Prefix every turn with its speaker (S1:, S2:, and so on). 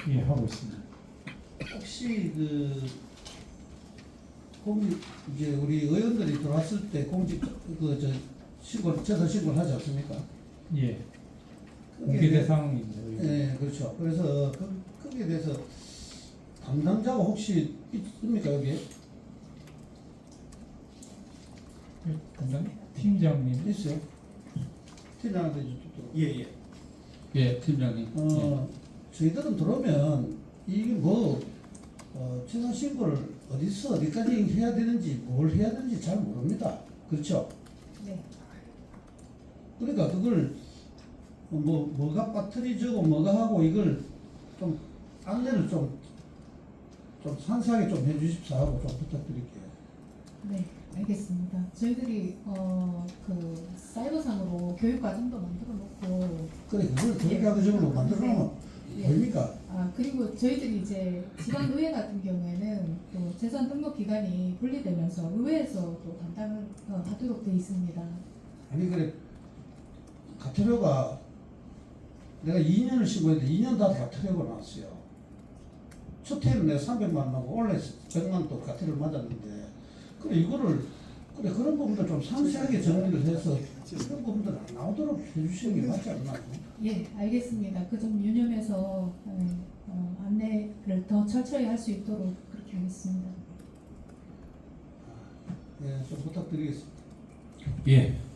S1: 예, 하고 있습니다.
S2: 혹시 이제 우리 의원들이 들어왔을 때 공직 제도 신고를 하지 않습니까?
S1: 예,
S2: 거기에
S1: 공개
S2: 대해-
S1: 대상입니다.
S2: 네, 그렇죠. 그래서 거기에 대해서 담당자가 혹시 있습니까 여기에?
S1: 담당 팀장님.
S2: 있어요? 팀장한테 좀.
S3: 예예.
S4: 예, 팀장님.
S2: 저희들은 들어오면 이게 재산 신고를 어디까지 해야 되는지 뭘 해야 되는지 잘 모릅니다. 그렇죠?
S5: 네.
S2: 그러니까 그걸 뭐가 빠뜨리지고 뭐가 하고 이걸 좀 안내를 좀 상세하게 좀 해주십사 하고 좀 부탁드릴게요.
S5: 네, 알겠습니다. 저희들이 그 사이버상으로 교육 과정도 만들어 놓고
S2: 그래 그걸 교육학적으로 만들어놓으면
S5: 네.
S2: 보입니까?
S5: 그리고 저희들이 이제 지방의회 같은 경우에는 또 재산 등록 기간이 분리되면서 의회에서 또 담당을 하도록 되어 있습니다.
S2: 아니 그래 가태료가 내가 2년을 신고했는데 2년 다 가태료가 나왔어요. 첫 해는 내가 300만 원 나고 원래 100만 또 가태료를 맞았는데 그래 이거를 그런 부분도 좀 상세하게 정리를 해서 그런 부분들 안 나오도록 해주시는 게 맞지 않나?
S5: 예, 알겠습니다. 그 점 유념해서 안내를 더 철저히 할 수 있도록 그렇게 하겠습니다.
S2: 예, 좀 부탁드리겠습니다.
S4: 예,